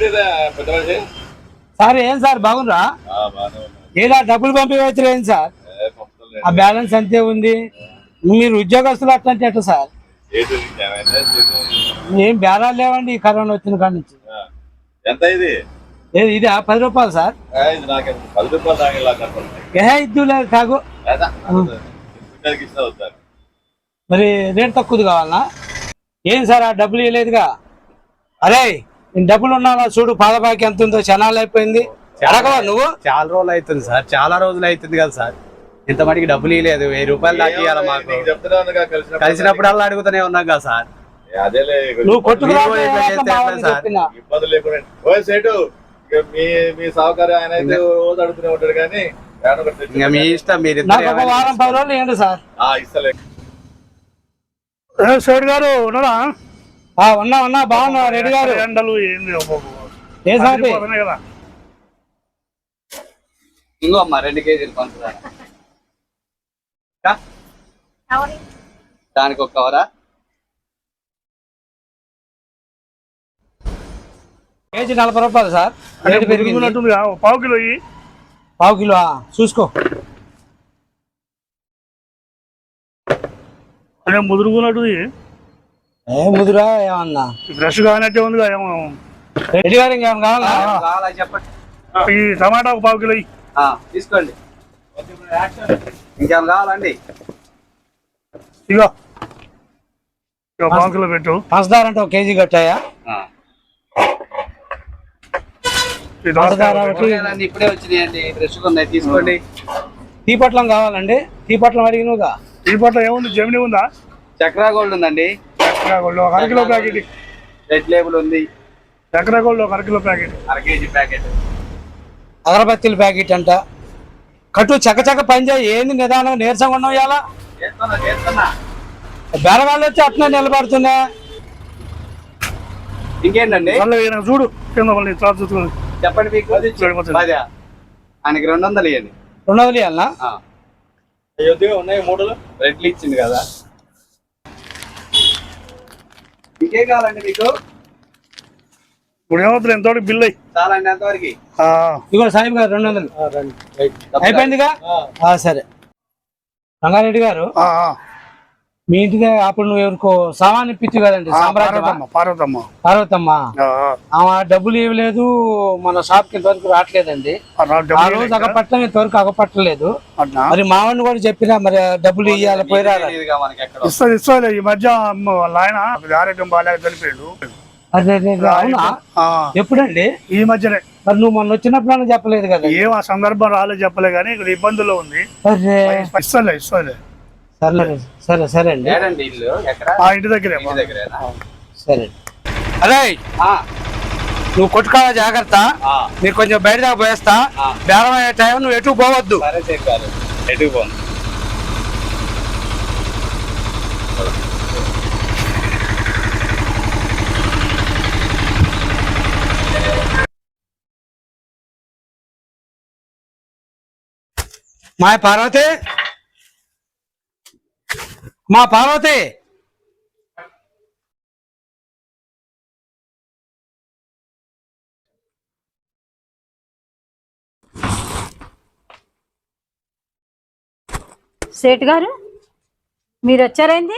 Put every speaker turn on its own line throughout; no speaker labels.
Sir ఏం sir బాగుందా? ఏదా డబ్బులు పంపించలేదు ఏంటి సార్? ఆ బ్యాలెన్స్ అంతే ఉంది. మీరు ఉద్యోగస్తులు అట్లంటే ఎట్లా సార్? ఏం బేరాలు లేవండి ఈ కరోనా వచ్చిన కాడి నుంచి.
ఎంత ఇది?
ఇది 10 రూపాయలు సార్. ఇద్దు లేదు తాగు. మరి రేట్ తక్కువది కావాలనా? ఏం సార్ ఆ డబ్బులు ఇవ్వలేదుగా? అరే నేను డబ్బులు ఉన్నావా చూడు, పాదబాకి ఎంత ఉందో. క్షణాలు అయిపోయింది. అడగవా నువ్వు?
చాలా రోజులు అవుతుంది సార్, చాలా రోజులు అవుతుంది కదా సార్. ఇంత మటుకు డబ్బులు ఇవ్వలేదు. 1000 రూపాయలు దాకా ఇవ్వాలి మాకు. కలిసినప్పుడల్లా అడుగుతూనే ఉన్నాం కదా సార్.
నువ్వు కొట్టుకురా
మీ సహకారం ఆయన అయితే రోజు అడుగుతూనే ఉంటాడు కానీ
మీ ఇష్టం. మీరు
వారం 10 రోజులు ఏంటి సార్?
ఇస్తలే
సైడ్ గారు ఉన్నారా?
ఉన్నా బాగున్నా రెడ్డి గారు.
ఎండలు
ఏ సార్
కదా.
ఇంకో అమ్మా 2 కేజీలు పంచుతారా? దానికి ఒక కవరా?
కేజీ 40 రూపాయలు సార్. రేటు పెరిగినట్టుంది.
పావు కిలో.
పావు కిలో చూసుకో.
అదే ముదురుగున్నట్టు.
ఏ ముదురా ఏమన్నా?
ఫ్రెష్ కానట్టే ఉంది. ఏమో
రెడ్డి గారు ఇంకేమన్నా
కావాలా చెప్పండి.
ఈ టమాటా ఒక పావు కిలో
తీసుకోండి. ఇంకేం కావాలండి?
ఇగో పావు కిలో పెట్టు.
పంచదార అంటే 1 కేజీ కట్టాయా?
ఇప్పుడే వచ్చినాయండి, ఫ్రెష్గా ఉన్నాయి, తీసుకోండి.
టీ పొట్లం కావాలండి? టీ పొట్లం అడిగినవుగా.
టీ పొట్లం ఏముంది? జమిని ఉందా?
చక్రా గోల్డ్ ఉందండి.
Chakra Gold 1/2 kilo packet.
Red Label ఉంది.
Chakra Gold 1/2 kilo packet.
1/2 KG packet.
అగరబత్తీల ప్యాకెట్ అంట. కట్టు చక్క పని చేయి. ఏంది నిదానం నీరసంగా ఉన్నావు ఇలా? బేరగాళ్ళు వచ్చి అట్లా నిలబడుతున్నా.
ఇంకేంటండి
చూడు
చెప్పండి. మీకు ఆయనకి 200 ఇవ్వండి.
200 ఇవ్వాలనా?
ఉన్నాయి 3 రెడ్లు ఇచ్చింది కదా. ఇంకేం కావాలండి మీకు?
ఎంత బిల్ అయ్యి
చాలా అండి. ఎంతవరకు?
ఇగో సాహిబ్ గారు 200 అయిపోయిందిగా. సరే రంగారెడ్డి గారు, మీ ఇంటికి అప్పుడు నువ్వు ఎవరికో సామాన్ ఇప్పించు కదండి? పార్వతమ్మ. ఆమె డబ్బులు ఇవ్వలేదు, మన షాప్ కి ఇంతవరకు రావట్లేదండి. ఆ రోజు అగపట్టం ఇంతవరకు అగపట్టలేదు. మరి మావాడిని కూడా చెప్పినా మరి డబ్బులు ఇవ్వాలి పోయిరా.
ఈ మధ్య ఆయన ఆరోగ్యం బాగా చనిపోయాడు.
అవునా? ఎప్పుడండి?
ఈ మధ్యనే.
మరి నువ్వు మొన్న వచ్చినప్పుడు చెప్పలేదు కదా?
ఏం ఆ సందర్భం రాలేదు, చెప్పలే కానీ ఇక్కడ ఇబ్బందుల్లో ఉంది. ఇస్తలే.
సరే అండి.
ఇంటి దగ్గరే.
సరే అదే నువ్వు కొట్టుకోవా జాగ్రత్త. మీరు కొంచెం బయట దాకా పోయేస్తా. బేరం అయ్యే టైం నువ్వు ఎటు పోవద్దు.
ఎటు పోను.
మా పార్వతి
సేట్ గారు మీరు వచ్చారేంది?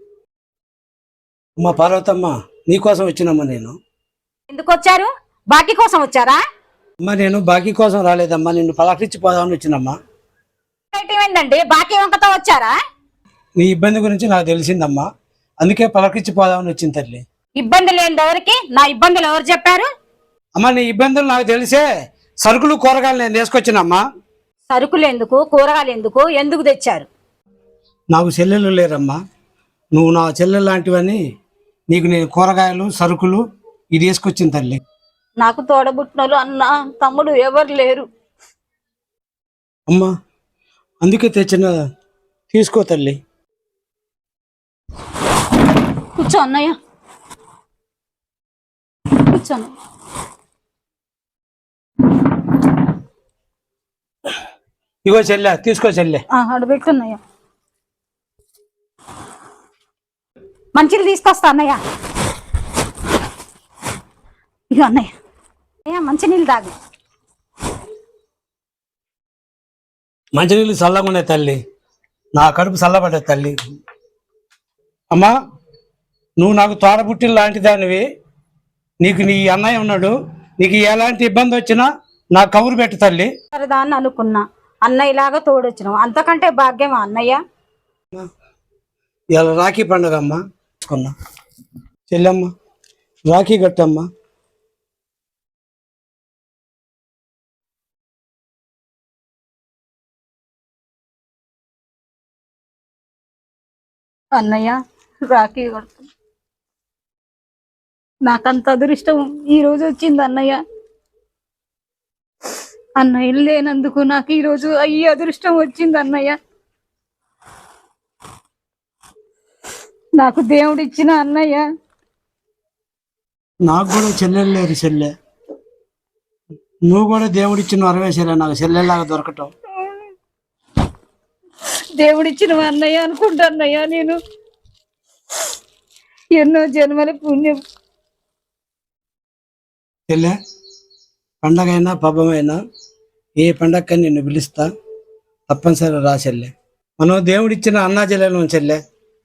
మా పార్వతమ్మ నీకోసం వచ్చినమ్మా. నేను
ఎందుకు వచ్చారు? బాకీ కోసం వచ్చారా?
అమ్మా నేను బాకీ కోసం రాలేదమ్మా, నిన్ను పలకరించి పోదామని వచ్చినమ్మా.
ఏంటండి బాకీ వంకతో వచ్చారా?
నీ ఇబ్బంది గురించి నాకు తెలిసిందమ్మా, అందుకే పలకరించి పోదామని వచ్చింది తల్లి.
ఇబ్బంది లేని ఎవరికి? నా ఇబ్బందులు ఎవరు చెప్పారు?
అమ్మా నీ ఇబ్బందులు నాకు తెలిసే సరుకులు కూరగాయలు నేను తీసుకొచ్చినమ్మా.
సరుకులు ఎందుకు, కూరగాయలు ఎందుకు, ఎందుకు తెచ్చారు?
నాకు చెల్లెలు లేరమ్మా, నువ్వు నా చెల్లెలు లాంటివని నీకు నేను కూరగాయలు సరుకులు ఇది తీసుకొచ్చిన తల్లి.
నాకు తోడబుట్టినోళ్ళు అన్న తమ్ముడు ఎవరు లేరు
అమ్మా, అందుకే తెచ్చిన. తీసుకో తల్లి.
కూర్చో అన్నయ్య, కూర్చోను.
ఇగో చెల్లె, తీసుకో చెల్లె.
అడబెట్టున్నయ్య. మంచిలు తీసుకొస్తా అన్నయ్య. ఇగో అన్నయ్య
మంచినీళ్ళు తాగు.
మంచినీళ్ళు చల్లగా ఉన్నాయి తల్లి, నా కడుపు చల్లబడ్డది తల్లి. అమ్మా, నువ్వు నాకు తోడబుట్టిన లాంటి దానివి, నీకు నీ అన్నయ్య ఉన్నాడు, నీకు ఎలాంటి ఇబ్బంది వచ్చినా నాకు కబురు పెట్టు తల్లి.
దాన్ని అనుకున్నా, అన్నయ్యలాగా తోడొచ్చినావు, అంతకంటే భాగ్యమా అన్నయ్య?
ఇలా రాఖీ పండుగ అమ్మా, కొన్నా చెల్లెమ్మ రాఖీ కట్టమ్మా.
అన్నయ్య రాఖీ కడుతున్నా. నాకంత అదృష్టం ఈ రోజు వచ్చింది అన్నయ్య. అన్నయ్య లేనందుకు నాకు ఈ రోజు ఈ అదృష్టం వచ్చింది అన్నయ్య. నాకు దేవుడిచ్చిన అన్నయ్య.
నాకు కూడా చెల్లెలు లేరు చెల్లె, నువ్వు కూడా దేవుడిచ్చిన వరవే చెల్లె, నాకు చెల్లెలాగా దొరకటం.
దేవుడిచ్చిన అన్నయ్య అనుకుంటా అన్నయ్య, నేను ఎన్నో జన్మల పుణ్యం.
చెల్లె, పండగైనా పబ్బమైనా ఏ పండగకని నిన్ను పిలుస్తా, తప్పనిసరి రా చెల్లె. మనం దేవుడిచ్చిన అన్నా చెల్లెలు చెల్లె.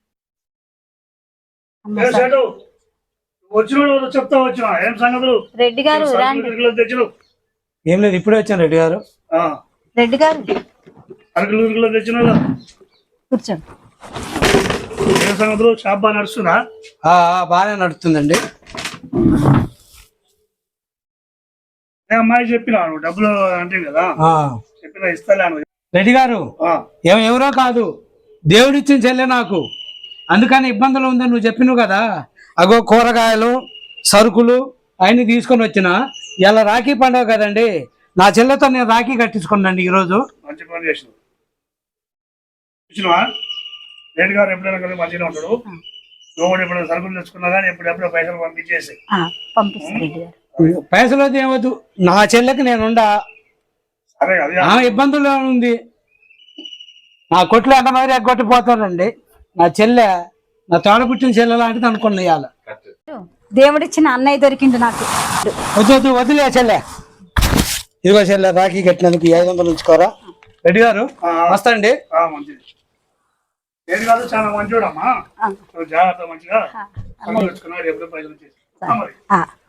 వచ్చిన చెప్తా వచ్చిన ఏం సంగతులు?
రెడ్డి గారు రండి.
తెచ్చిన
ఏం లేదు, ఇప్పుడే వచ్చాను రెడ్డి గారు.
రెడ్డి గారు
అరకులు తెచ్చిన
కూర్చోండి.
ఏం సంగతులు? షాప్ బాగా నడుస్తుందా?
బాగానే నడుస్తుందండి.
అమ్మాయి చెప్పినాను డబ్బులు అంటే కదా, చెప్పినా ఇస్తాను.
రెడ్డి గారు ఎవరో కాదు, దేవుడిచ్చిన చెల్లె నాకు, అందుకని ఇబ్బందులు ఉందని నువ్వు చెప్పినావు కదా. అగో కూరగాయలు సరుకులు అవన్నీ తీసుకొని వచ్చిన. ఇలా రాఖీ పండుగ కదండి, నా చెల్లెతో నేను రాఖీ కట్టించుకున్నాండి ఈరోజు.
మంచి పని చేసినావు. చూసినవా, రెడ్డి గారు ఎప్పుడైనా కదా మంచిగా ఉంటాడు. నువ్వు కూడా ఎప్పుడైనా సరుకులు తెచ్చుకున్నా కానీ ఎప్పుడెప్పుడో పైసలు పంపించేసి.
పైసలు ఏమవుతు, నా చెల్లెకి నేనుండా.
సరే అది
ఇబ్బందుల్లో ఉంది, నా కొట్లు ఎంత మరి ఎగ్గొట్టిపోతానండి. నా చెల్లె నా తోడ పుట్టిన చెల్లె లాంటిది అనుకున్నా. ఇవాళ
దేవుడిచ్చిన అన్నయ్య దొరికింది నాకు.
వద్దు వదిలే చెల్లె. ఇదిగో చెల్లె, రాఖీ కట్టినందుకు 500 ఉంచుకోరా. రెడ్డి గారు వస్తాండి.
మంచిది. రెడ్డి గారు చాలా మంచివాడమ్మా, జాగ్రత్త మంచిగా తెచ్చుకున్నాడు, ఎప్పుడో పైసలు వచ్చేసి.